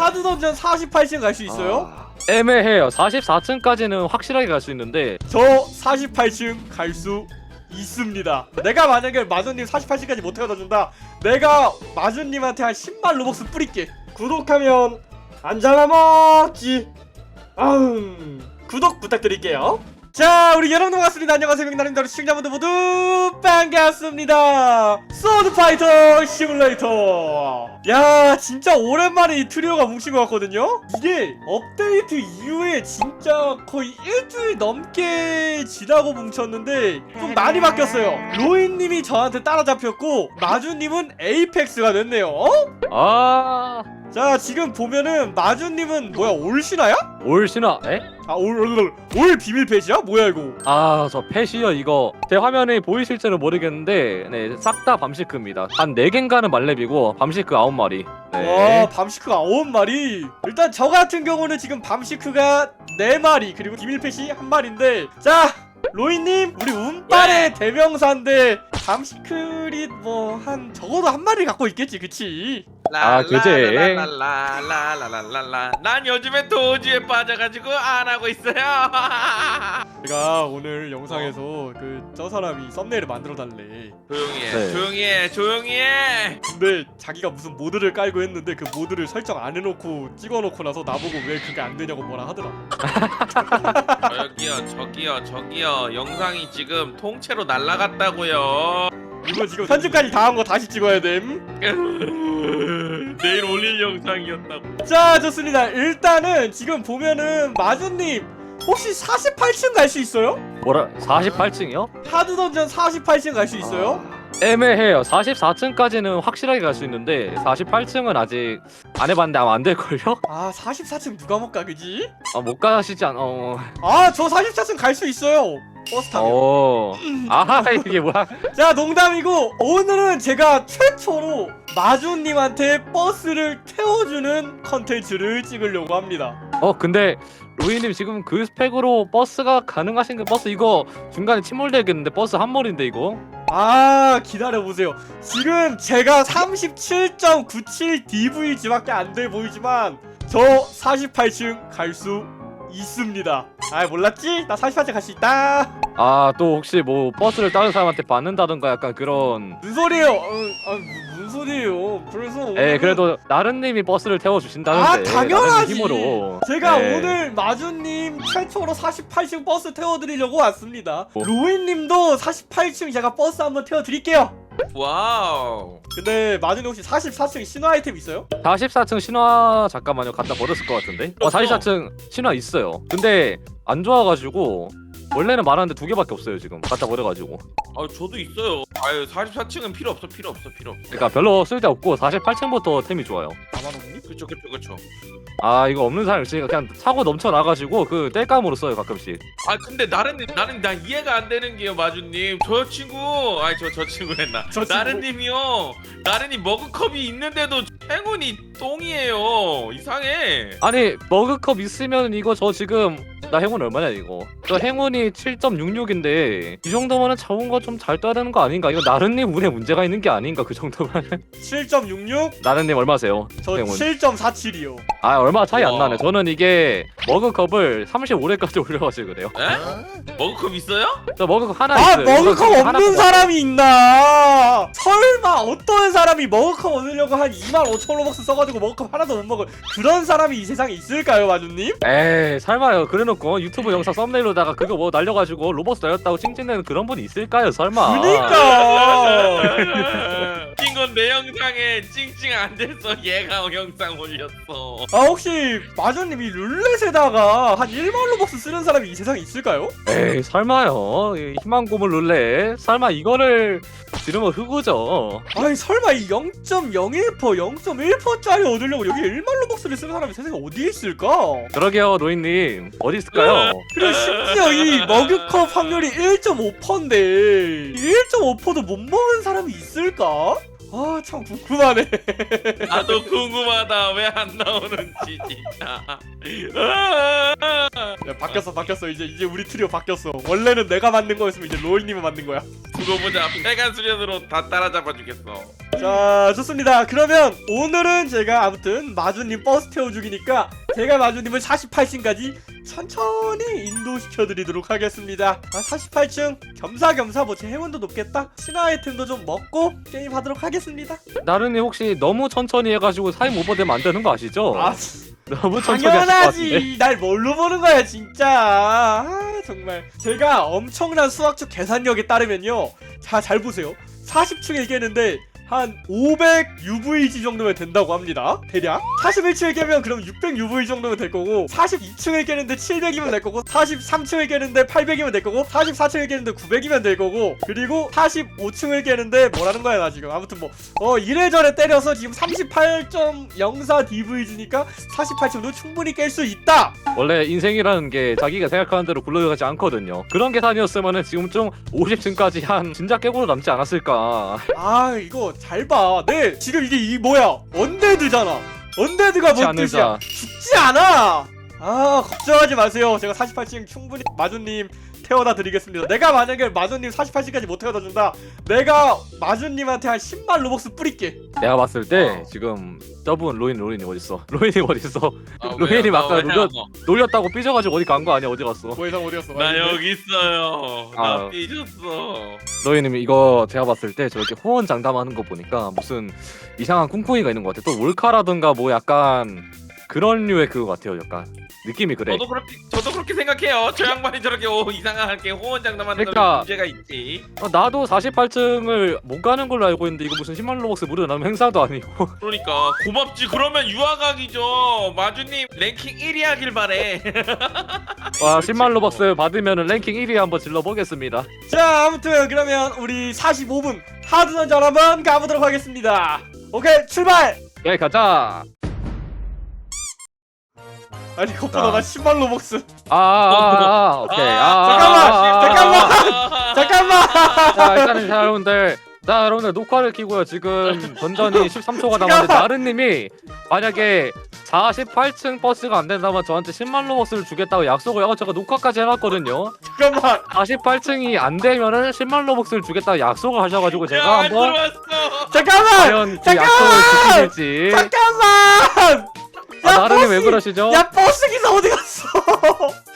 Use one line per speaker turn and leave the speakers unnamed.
하드던전 48층 갈 수 있어요?
애매해요. 44층까지는 확실하게 갈 수 있는데
저 48층 갈 수 있습니다. 내가 만약에 마준님 48층까지 못 태워다 준다, 내가 마준님한테 한 10만 로벅스 뿌릴게. 구독하면 안 잡아먹지. 구독 부탁드릴게요. 자, 우리 여러분 반갑습니다. 안녕하세요. 명나님들 시청자분들 모두 반갑습니다. 소드파이터 시뮬레이터. 야, 진짜 오랜만에 이 트리오가 뭉친 것 같거든요. 이게 업데이트 이후에 진짜 거의 일주일 넘게 지나고 뭉쳤는데 좀 많이 바뀌었어요. 로이님이 저한테 따라잡혔고 마주님은 에이펙스가 됐네요. 자, 지금 보면은 마주님은 뭐야, 올신화야?
올신화? 에?
올 비밀 펫이야? 뭐야 이거?
저 펫이요. 이거 제 화면에 보이실지는 모르겠는데 네, 싹 다 밤시크입니다. 한 4개인가는 말렙이고 밤시크 9마리. 네.
와, 밤시크가 9마리. 일단 저 같은 경우는 지금 밤시크가 4마리 그리고 비밀 펫이 1마리인데, 자, 로이님, 우리 운빨의 대명사인데 밤시크리 뭐 한 적어도 1마리 갖고 있겠지, 그치?
그제.
라라라라라라라라라라. 난 요즘에 도주에 빠져가지고 안 하고 있어요.
제가 오늘 영상에서 저 사람이 썸네일을 만들어 달래.
조용히 해,
네.
조용히 해, 조용히 해.
근데 자기가 무슨 모드를 깔고 했는데 그 모드를 설정 안 해놓고 찍어놓고 나서 나보고 왜 그게 안 되냐고 뭐라 하더라.
저기요. 영상이 지금 통째로 날라갔다고요.
이거 지금 편집까지 다 한 거 다시 찍어야 됨.
내일 올릴 영상이었다고.
자, 좋습니다. 일단은 지금 보면은 마주님 혹시 48층 갈 수 있어요?
뭐라? 48층이요?
하드던전 48층 갈 수 있어요?
애매해요. 44층까지는 확실하게 갈 수 있는데 48층은 아직 안 해봤는데 아마 안 될걸요?
아, 44층 누가 못 가, 그지?
못 가시지 않...
아, 저 44층 갈 수 있어요. 버스 타면.
이게 뭐야?
자, 농담이고 오늘은 제가 최초로 마주님한테 버스를 태워주는 컨텐츠를 찍으려고 합니다.
근데 로이님 지금 그 스펙으로 버스가 가능하신 게 버스 이거 중간에 침몰되겠는데 버스 한 몰인데 이거?
아, 기다려보세요. 지금 제가 37.97 DVG밖에 안 돼 보이지만 저 48층 갈 수 있습니다. 아, 몰랐지? 나 48층 갈 수 있다.
또 혹시 뭐 버스를 다른 사람한테 받는다던가 약간 그런...
무슨 소리예요? 무슨 소리예요? 그래서
그래도 나른님이 버스를 태워주신다는데
당연하지.
나른님 힘으로
제가
네.
오늘 마주님 최초로 48층 버스 태워드리려고 왔습니다.
뭐?
로이님도 48층 제가 버스 한번 태워드릴게요.
와우.
근데 마주님 혹시 44층 신화 아이템 있어요?
44층 신화 잠깐만요. 갖다 버렸을 것 같은데 44층 신화 있어요. 근데 안 좋아가지고 원래는 많았는데 2개밖에 없어요. 지금 갖다 버려가지고.
저도 있어요. 44층은 필요 없어.
그러니까 별로 쓸데없고 48층부터 템이 좋아요.
나만 없니?
그쵸.
이거 없는 사람 있으니까 그냥 사고 넘쳐나가지고 그 땔감으로 써요 가끔씩.
근데 나는 나 이해가 안 되는 게요, 마주님. 저 친구, 저 친구랬나?
저 친구.
나른이 머그컵이 있는데도 행운이 똥이에요. 이상해.
아니 머그컵 있으면 이거 저 지금 나 행운 얼마냐 이거. 저 행운이 7.66인데 이 정도면은 잡은 거 좀 잘 떠야 되는 거 아닌가? 이거 나른님 운에 문제가 있는 게 아닌가 그 정도면.
7.66?
나른님 얼마세요?
저
행운.
7.47이요.
얼마 차이 안
우와.
나네. 저는 이게 머그컵을 35회까지 올려가지고 그래요.
에? 머그컵 있어요?
저 머그컵 하나
아,
있어요.
머그컵
하나
없는
뽑았어.
사람이 있나? 설마 어떤 사람이 머그컵 얻으려고 한 25,000 로벅스 써가지고 머그컵 하나도 못 먹을 그런 사람이 이 세상에 있을까요, 마주님?
에이 설마요. 그래놓고 유튜브 영상 썸네일로다가 그거 뭐 날려가지고 로버스 날렸다고 찡찡대는 그런 분이 있을까요 설마?
그니까.
웃긴 건 내 영상에 찡찡 안 돼서 얘가 영상 올렸어.
아, 혹시 마주님이 룰렛에다가 한 1만 로벅스 쓰는 사람이 이 세상에 있을까요?
에이 설마요. 이 희망 고물 룰렛 설마 이거를 지르면 흑우죠.
아니, 설마 이 0.01%, 0.1%짜리 얻으려고 여기 1만 로벅스를 쓰는 사람이 세상에 어디에 있을까?
그러게요 로이님 어디 있을까요?
그리고 심지어 이 머그컵 확률이 1.5%인데 1.5%도 못 먹은 사람이 있을까? 아, 참 궁금하네.
나도 궁금하다. 왜 안 나오는지 진짜.
야, 바뀌었어. 이제 우리 트리오 바뀌었어. 원래는 내가 만든 거였으면 이제 로이님이 만든 거야.
두고 보자. 빨간 수련으로 다 따라잡아 주겠어.
자, 좋습니다. 그러면 오늘은 제가 아무튼 마주님 버스 태워주기니까 제가 마주님을 48층까지 천천히 인도시켜드리도록 하겠습니다. 48층 겸사겸사 뭐 제 행운도 높겠다. 신화 아이템도 좀 먹고 게임하도록 하겠습니다.
나른이 혹시 너무 천천히 해가지고 타임 오버되면 안 되는 거 아시죠?
아,
너무 천천히 하실 것 같은데.
당연하지. 날 뭘로 보는 거야 진짜. 아, 정말 제가 엄청난 수학적 계산력에 따르면요, 자, 잘 보세요. 40층에 깨는데 한 500 UVG 정도면 된다고 합니다. 대략 41층에 깨면 그럼 600 UVG 정도면 될 거고, 42층에 깨는데 700이면 될 거고, 43층에 깨는데 800이면 될 거고, 44층에 깨는데 900이면 될 거고, 그리고 45층을 깨는데 뭐라는 거야 나 지금. 아무튼 뭐 이래저래 때려서 지금 38.04 DVG니까 48층도 충분히 깰 수 있다.
원래 인생이라는 게 자기가 생각하는 대로 굴러가지 않거든요. 그런 계산이었으면은 지금 좀 50층까지 한 진작 깨고도 남지 않았을까.
아, 이거 잘 봐. 네, 지금 이게 뭐야? 언데드잖아. 언데드가 뭔
죽지
뜻이야?
않는다.
죽지 않아. 아, 걱정하지 마세요. 제가 48층 충분히 마주님 태워다 드리겠습니다. 내가 만약에 마주님 48층까지 못 태워다 준다, 내가 마주님한테 한 10만 로벅스 뿌릴게.
내가 봤을 때 지금 저분 로인이 어딨어? 로인이 어딨어?
아,
로인이
왜요?
아까
나 왜요?
놀렸다고 삐져가지고 어디 간 거 아니야? 어디 갔어?
고해상 어디였어?
나 여기 있어요. 나
아.
삐졌어.
로이님 이거 제가 봤을 때 저렇게 호언 장담하는 거 보니까 무슨 이상한 꿍꿍이가 있는 것 같아. 또 몰카라든가 뭐 약간 그런 류의 그거 같아요. 약간 느낌이 그래.
저도 그렇게 생각해요. 저 양반이 저렇게 이상하게 호언장담하는
그러니까-
건 문제가 있지.
나도 48층을 못 가는 걸로 알고 있는데 이거 무슨 10만 로벅스 무료 나면 행사도 아니고.
그러니까 고맙지. 그러면 유아각이죠. 마주님 랭킹 1위 하길 바래.
와 10만 로벅스 받으면 랭킹 1위 한번 질러보겠습니다.
자, 아무튼 그러면 우리 45분 하드던전 한번 가보도록 하겠습니다. 오케이, 출발!
예 가자.
아니, 그것보다 나 10만 로벅스.
오케이.
잠깐만!
자 일단은 자 여러분들 녹화를 키고요. 지금 전전이 13초가 남았는데 나른님이 만약에 48층 버스가 안 된다면 저한테 10만 로벅스를 주겠다고 약속을 제가 녹화까지 해놨거든요.
잠깐만!
48층이 안 되면은 10만 로벅스를 주겠다고 약속을 하셔가지고 제가
야, 안
한번
들어왔어.
잠깐만!
과연 그 약속을 지킬지.
잠깐만!
나른님 왜
버스!
그러시죠?
야, 버스 기사 어디 갔어?